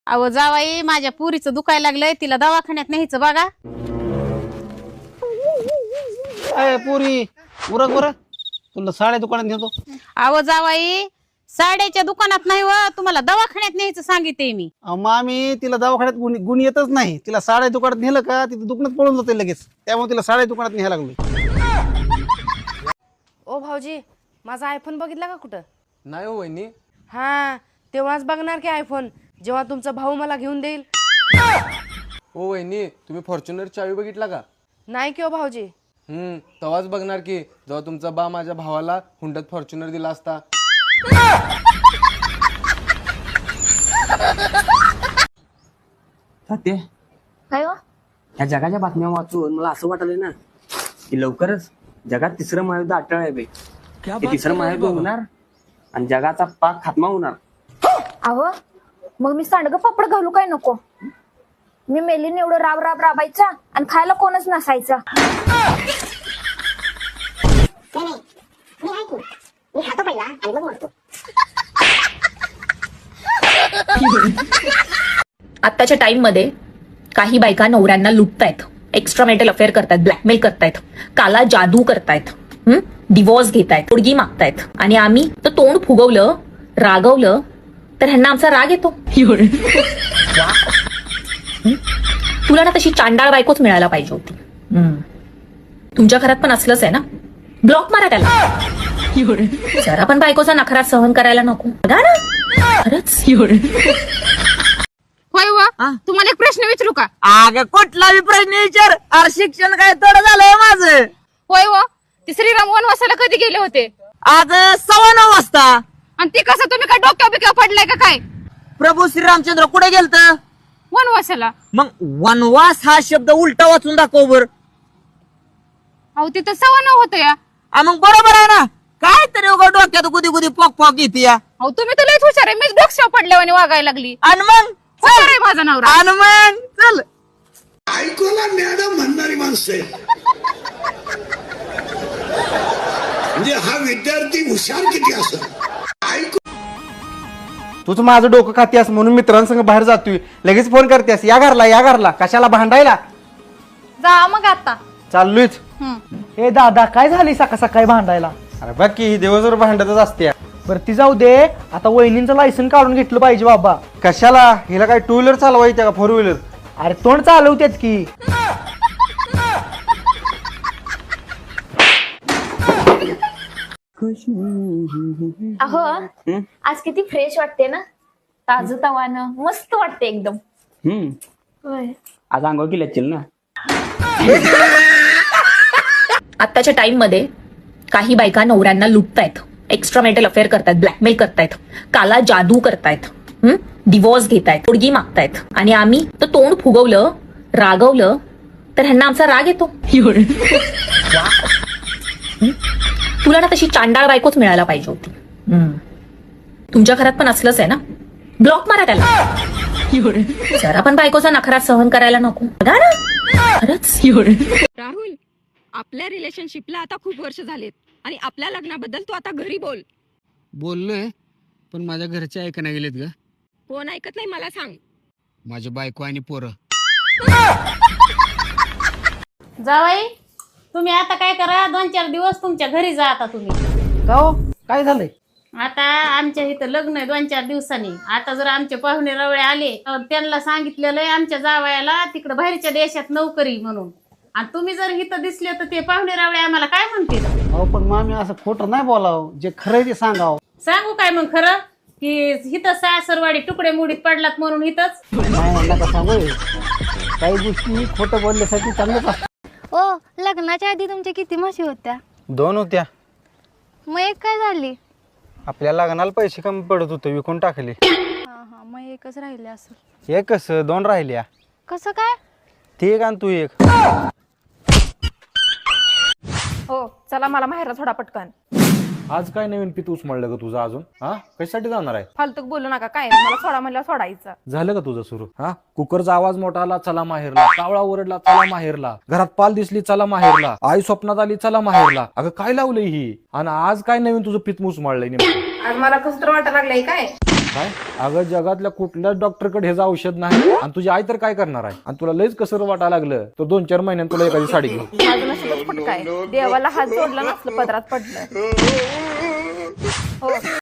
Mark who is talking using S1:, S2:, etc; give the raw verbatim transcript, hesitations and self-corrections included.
S1: अहो जावाई, माझ्या पुरीचं दुखायला लागलंय, तिला दवाखान्यात न्यायचं बघा.
S2: अय पुरी उरक बरं, तुला साड्या दुकानात नेतो.
S1: अहो जावाई, साड्याच्या दुकानात नाही व, तुम्हाला दवाखान्यात न्यायचं सांगितले मी.
S2: अहो, मामी तिला दवाखान्यात गुण गुण येतच नाही. तिला साड्या दुकानात नेलं का तिथे दुकानात पळून जाते लगेच. त्यामुळे तिला साड्या दुकानात न्यायला लागलो.
S3: ओ भाऊजी, माझा आयफोन बघितला का कुठं?
S4: नाही हो वहिनी.
S3: हा, तेव्हाच बघणार की आयफोन, जेव्हा तुमचा भाऊ मला घेऊन देईल.
S4: ओ वहिनी, तुम्ही फॉर्च्युनर चावी बघितला का?
S3: नाही की ओ भाऊजी.
S4: हम्म तेव्हाच बघणार की जेव्हा तुमचा बा माझ्या भावाला हुंड्यात फॉर्च्युनर दिला असता.
S5: सत्य
S6: काय हो?
S5: ह्या जगाच्या बातम्या वाचून मला असं वाटलंय ना की लवकरच जगात तिसरं महायुद्ध अटळ आहे बे. ते तिसरं महायुद्ध होणार आणि जगाचा पाक खात्मा होणार.
S6: अहो, मग मी सांडग पापड घालू काय नको? मी मेलीन एवढं राब राब राबायचा आणि खायला कोणच नसायचा.
S7: आत्ताच्या टाइम मध्ये काही बायका नवऱ्यांना लुटतायत, एक्स्ट्रा मेटल अफेअर करतायत, ब्लॅकमेल करतायत, काला जादू करतायत, डिवोर्स घेतायत, पोरगी मागतायत. आणि आम्ही तर तोंड फुगवलं, रागवलं तर ह्यांना आमचा राग येतो. तुला ना तशी चांडाळ बायकोच मिळायला पाहिजे होती. तुमच्या घरात पण असलंच आहे ना? ब्लॉक मारा त्याला. जरा पण बायकोचा नखरा सहन करायला नको बघा ना. खरंच
S1: होय व, तुम्हाला एक प्रश्न विचारू का?
S5: अग कुठला प्रश्न विचार. अरे शिक्षण काय थोडं झालंय माझं.
S1: होय व, ते श्रीराम वनवासाला कधी गेले होते?
S5: आज सव्वा नऊ वाजता.
S1: आणि ते कसं, तुम्ही काय डोक्या बिक्या पडलाय का काय?
S5: प्रभू श्रीरामचंद्र कुठे गेलत?
S1: वनवासाला.
S5: मग वनवास हा शब्द उलटा वाचून दाखव बर.
S1: अहो तिथं सव्वा नऊ होतं या.
S5: मग बरोबर आहे ना. काय तरी उगा डोक्यात गुदी गुदी पॉक पॉक येते या.
S1: अहो तुम्ही तर लयच हुशार आहे, मीच डोक्यावर पडल्यावानी वागायला लागली.
S5: आणि मग
S1: हुशार आहे माझा नवरा.
S5: आणि मग चल.
S8: ऐकूला मॅडम म्हणणारी माणसं आहे. म्हणजे हा विद्यार्थी हुशार किती असं ऐकू.
S2: तूच माझं डोकं खातीस म्हणून मित्रांसंग बाहेर जातोय, लगेच फोन करतेस या घरला या घरला. कशाला भांडायला?
S1: जा मग आता.
S2: चाललोयच.
S9: हे दादा, काय झाली सकाळ सकाळी भांडायला?
S2: अरे बघ की ही दिवसभर भांडतच असते.
S9: बरं ती जाऊ दे, आता वहिनींचं लायसन काढून घेतलं पाहिजे बाबा.
S2: कशाला? हिला काय टू व्हीलर चालवायचं का फोर व्हीलर?
S9: अरे तोंड चालवतेत की.
S6: अहो, आज किती फ्रेश वाटते ना, ताजं तवानं मस्त वाटते एकदम.
S5: हम्म
S6: होय.
S5: आज अंघोळ केली असतील ना.
S7: आत्ताच्या टाइम मध्ये काही बायका नवऱ्यांना लुटतायत, एक्स्ट्रा मेटल अफेअर करतायत, ब्लॅकमेल करतायत, काला जादू करतायत, डिवोर्स घेतायत, पोरगी मागतायत. आणि आम्ही तर तोंड फुगवलं, रागवलं तर ह्यांना आमचा राग येतो. तुला ना तशी चांडाळ बायकोच मिळायला पाहिजे होती. तुमच्या घरात पण असलंच आहे ना? ब्लॉक मारा त्याला. जरा पण बायकोचा नखरा सहन करायला नको बघा ना. खरंच
S1: राहुल, आपल्या रिलेशनशिपला आता खूप वर्ष झालेत आणि आपल्या लग्नाबद्दल तू आता घरी बोल.
S10: बोललोय, पण माझ्या घरचे ऐका नाही गेलेत ग.
S1: कोण ऐकत नाही मला सांग.
S10: माझी बायको आणि पोरं.
S1: जावाई, तुम्ही आता काय करा, दोन चार दिवस तुमच्या घरी जा आता तुम्ही.
S9: का हो? काय झालंय?
S1: आता आमच्या इथं लग्न आहे दोन चार दिवसांनी. आता जर आमचे पाहुणे रवळे आले तर त्यांना सांगितलेलं आहे आमच्या जावयाला तिकडे बाहेरच्या देशात नोकरी म्हणून. आणि तुम्ही जर इथं दिसले तर ते पाहुणे रवळे आम्हाला काय म्हणतील?
S2: अहो पण मामी असं खोटं नाही बोलावं, जे खरं ते सांगावं.
S1: सांगू काय मग खरं की इथं सासरवाडी तुकडे मुडीत पडलात म्हणून इथंच?
S2: नाही नका सांगू. काही गोष्टी खोटं बोलण्यासाठी चांगलंच असतं.
S6: ओ, लग्नाच्या आधी तुमच्या किती म्हशी होत्या?
S2: दोन होत्या.
S6: मग एक काय झाली?
S2: आपल्या लग्नाला पैसे कमी पडत होते, विकून टाकले.
S6: हा हा, मग एकच राहिले असं.
S2: एक कसं दोन राहिल्या.
S6: कसं काय?
S2: ते एक आणि तू एक.
S3: हो चला, मला माहेरला थोडा पटकन.
S11: आज काय नवीन पीत उचमळलं का तुझं अजून? हा कशासाठी जाणार आहे?
S3: फालतूक बोलू नका, काय मला सोडा म्हणलं सोडायचं.
S11: झालं का तुझं सुरू? हा कुकरचा आवाज मोठा आला चला माहेरला, कावळा ओरडला चला माहेरला, घरात पाल दिसली चला माहेरला, आई स्वप्नात आली चला माहेरला. अगं काय लावलंय ही? आणि आज काय नवीन तुझं पीत उचमळलंय नेमकं?
S3: आज मला कसं तर वाटायला लागलंय काय
S11: काय अगं जगातल्या कुठल्याच डॉक्टरकडे हे औषध नाही आणि तुझी आई तर काय करणार आहे आणि तुला लयच कसं वाटायला लागलं तर दोन चार महिन्यात तुला एखादी साडी घेऊ.
S6: माझं नशीबच फुटकाय देवाला हात जोडला नसलं पदरात पडलं. हो